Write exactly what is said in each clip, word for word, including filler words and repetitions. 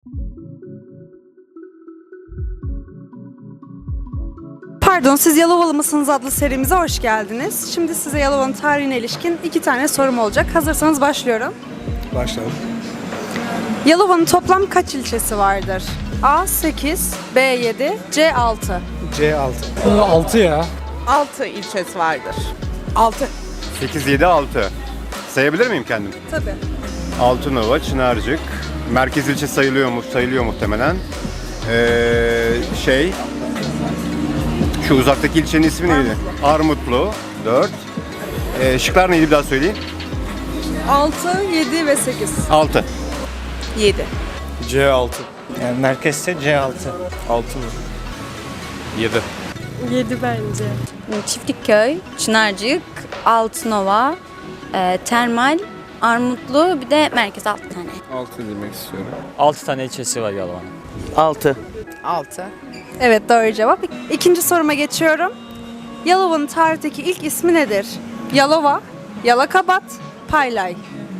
Pardon, siz Yalovalı mısınız adlı serimize hoş geldiniz. Şimdi size Yalova'nın tarihine ilişkin iki tane sorum olacak. Hazırsanız başlıyorum. Başlayalım. Yalova'nın toplam kaç ilçesi vardır? A sekiz, B yedi, C altı. C altı. altı ya. altı ilçesi vardır. altı. sekiz, yedi, altı. Sayabilir miyim kendim? Tabii. Altınova, Çınarcık. Merkez ilçe sayılıyor mu? Sayılıyor muhtemelen. Ee, şey... Şu uzaktaki ilçenin ismi neydi? Armutlu. dört. Ee, şıklar neydi bir daha söyleyin? altı, yedi ve sekiz. altı. yedi. C altı. Yani merkezse C altı. altı mı? yedi. yedi bence. Çiftlikköy, Çınarcık, Altınova, e, Termal, Armutlu, bir de merkez altı tane. altı demek istiyorum. altı tane ilçesi var Yalova'nın. altı. altı. Evet, doğru cevap. İkinci soruma geçiyorum. Yalova'nın tarihteki ilk ismi nedir? Yalova, Yalakabat, Paylay.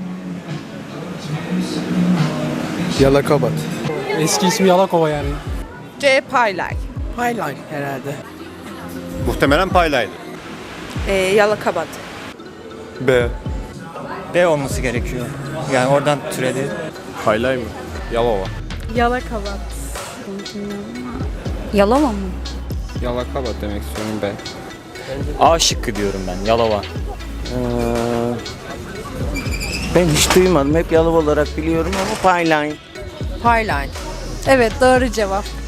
Yalakabat. Eski ismi Yalakova yani. C. Paylay. Highline herhalde. Muhtemelen Paylay'dı. E, Yalakabat. B. B olması gerekiyor. Yani oradan türedi. Paylay mı? Yalova. Yalakabat. Yalova mı? Yalakabat demek istiyorum B. A şıkkı diyorum ben, Yalova. Ben hiç duymadım. Hep Yalova olarak biliyorum ama Payline. Paylay. Evet, doğru cevap.